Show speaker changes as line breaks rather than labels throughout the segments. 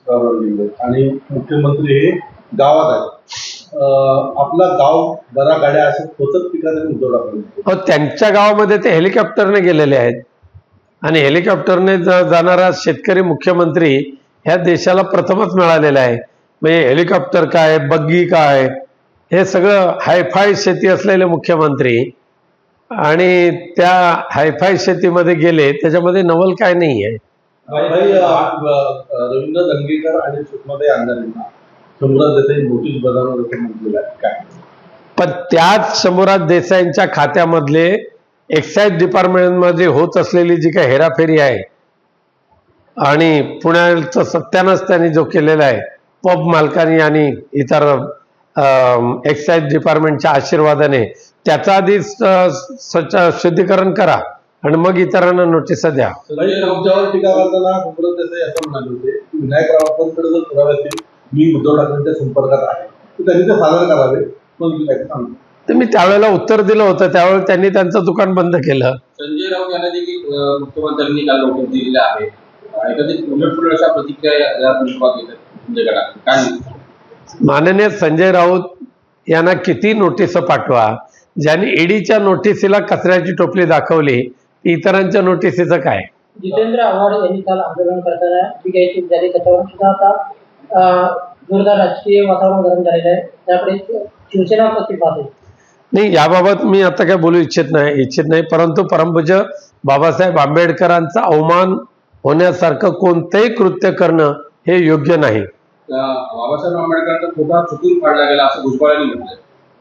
आणि मुख्यमंत्री हे गावात आहेत. आपला गाव बरा गाड्या असं होतच पिकाने उद्धव ठाकरे
त्यांच्या गावामध्ये ते हेलिकॉप्टरने गेलेले आहेत आणि हेलिकॉप्टरने जाणारा शेतकरी मुख्यमंत्री ह्या देशाला प्रथमच मिळालेला आहे. म्हणजे हेलिकॉप्टर काय, बग्गी काय, हे सगळं हायफाय शेती असलेले मुख्यमंत्री आणि त्या हायफाय शेतीमध्ये गेले, त्याच्यामध्ये नवल काय नाही आहे.
रवींद्र दंगेकर आणि सुषमाताई अंधारेंना शंभूराज देसाई नोटीस बजावणार असं म्हटलेलं आहे काय?
पण त्याच शंभूराज देसाईंच्या खात्यामधले एक्साईज डिपार्टमेंटमध्ये होत असलेली जी काही हेराफेरी आहे आणि पुण्याचं सत्यानाश त्यांनी जो केलेला आहे पब मालकांनी आणि इतर एक्साईज डिपार्टमेंटच्या आशीर्वादाने, त्याचा आधी शुद्धीकरण करा आणि मग इतरांना नोटिसा द्या.
तुमच्यावर टीका करताना शंभूराज देसाई असं म्हणाले होते की विनायक रावांकडे जर पुरावे असतील, मी उद्धव ठाकरेंच्या संपर्कात आहे, तर त्यांनी ते सादर करावे.
तर मी त्यावेळेला उत्तर दिलं होतं, त्यावेळेला त्यांनी त्यांचं दुकान बंद केलं.
संजय राऊत यांना देखील मुख्यमंत्र्यांनी काल नोटीस दिलेली आहे. एखादी उलटपुलट अशा प्रतिक्रिया या संदर्भात येतात काय?
माननीय संजय राऊत यांना किती नोटीस पाठवा, ज्यांनी ईडीच्या नोटिसीला कचऱ्याची टोपली दाखवली, इतरांच्या नोटिसीचं काय?
जितेंद्र आव्हाड यांनी काल आंदोलन करताना जी काही चूक झाली त्याच्यावर सुद्धा आता जोरदार राजकीय वातावरण गरम झालेलं आहे. त्याकडे शिवसेना प्रतिपाद आहे.
नाही, याबाबत मी आता काय बोलू इच्छित नाही, परंतु परमपूज्य बाबासाहेब आंबेडकरांचा अवमान होण्यासारखं कोणतंही कृत्य करणं हे योग्य नाही.
बाबासाहेब आंबेडकरांचा फोटा चुकून फाडला गेला असं भुजबळांनी म्हटलंय.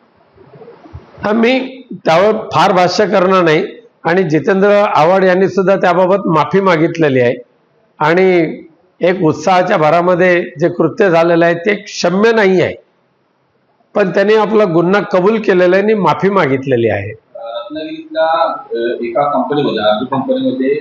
मी त्यावर फार भाष्य करणार नाही आणि जितेंद्र आव्हाड यांनी सुद्धा त्याबाबत माफी मागितलेली आहे आणि एक उत्साहाच्या भरामध्ये जे कृत्य झालेलं आहे ते क्षम्य नाही आहे, पण त्यांनी आपला गुन्हा कबूल केलेला आहे आणि माफी मागितलेली आहे.
रत्नागिरीतल्या एका कंपनीमध्ये